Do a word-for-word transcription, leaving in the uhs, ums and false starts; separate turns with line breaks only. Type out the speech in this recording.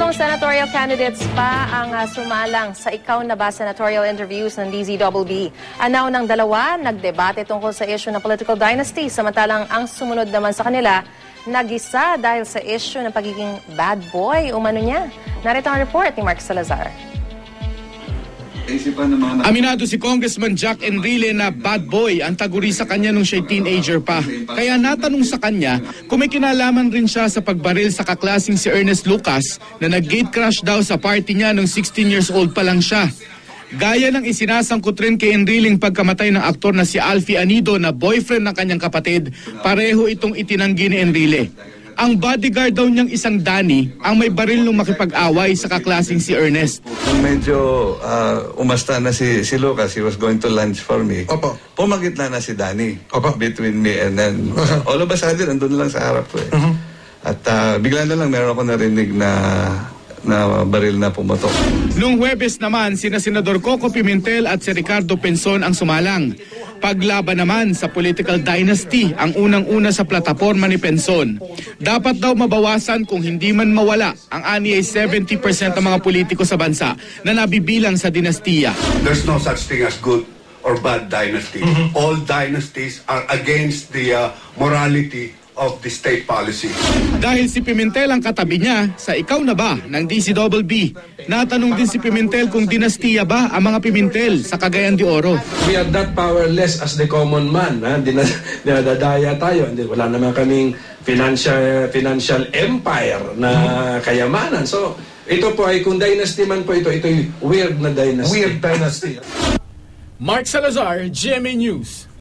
Tatlong senatorial candidates pa ang uh, sumalang sa ikaw na ba senatorial interviews ng D Z B B. Anaw ng dalawa, nagdebate tungkol sa issue ng political dynasty, samantalang ang sumunod naman sa kanila, nagisa dahil sa issue ng pagiging bad boy umano niya. Narito ang report ni Mark Salazar.
Aminado si Congressman Jack Enrile na bad boy ang taguri sa kanya nung siya'y teenager pa. Kaya natanong sa kanya kung may kinalaman rin siya sa pagbaril sa kaklasing si Ernest Lucas na nag-gate crash daw sa party niya nung sixteen years old pa lang siya. Gaya ng isinasangkot rin kay Enriling pagkamatay ng aktor na si Alfie Anido na boyfriend ng kanyang kapatid, pareho itong itinanggi ni Enrile. Ang bodyguard daw niyang isang Danny ang may baril nung makipag-away sa kaklasing si Ernest.
Nung medyo uh, umasta na si, si Lucas, he was going to lunch for me.
Opo.
Pumagitna na si Danny.
Opo.
Between me and then, uh, all of a sudden, andun lang sa harap ko eh. Uh-huh. At uh, bigla na lang meron ako narinig na na baril na pumotok.
Noong Huwebes naman, sina Senador Coco Pimentel at si Ricardo Penson ang sumalang. Paglaban naman sa political dynasty ang unang-una sa plataporma ni Penson. Dapat daw mabawasan kung hindi man mawala ang ani ay seventy percent ng mga politiko sa bansa na nabibilang sa dinastiya.
There's no such thing as good or bad dynasty. Mm-hmm. All dynasties are against the uh, morality of the state policy.
Dahil si Pimentel ang katabi niya sa ikaw na ba ng D Z B B. Natanong din si Pimentel kung dinastiya ba ang mga Pimentel sa Cagayan de Oro.
We are that powerless as the common man. Ha? Dinadadaya tayo. Wala naman kaming financial, financial empire na kayamanan. So, ito po ay kung dynasty man po ito, ito ay weird na dynasty.
Weird dynasty.
Mark Salazar, G M A News.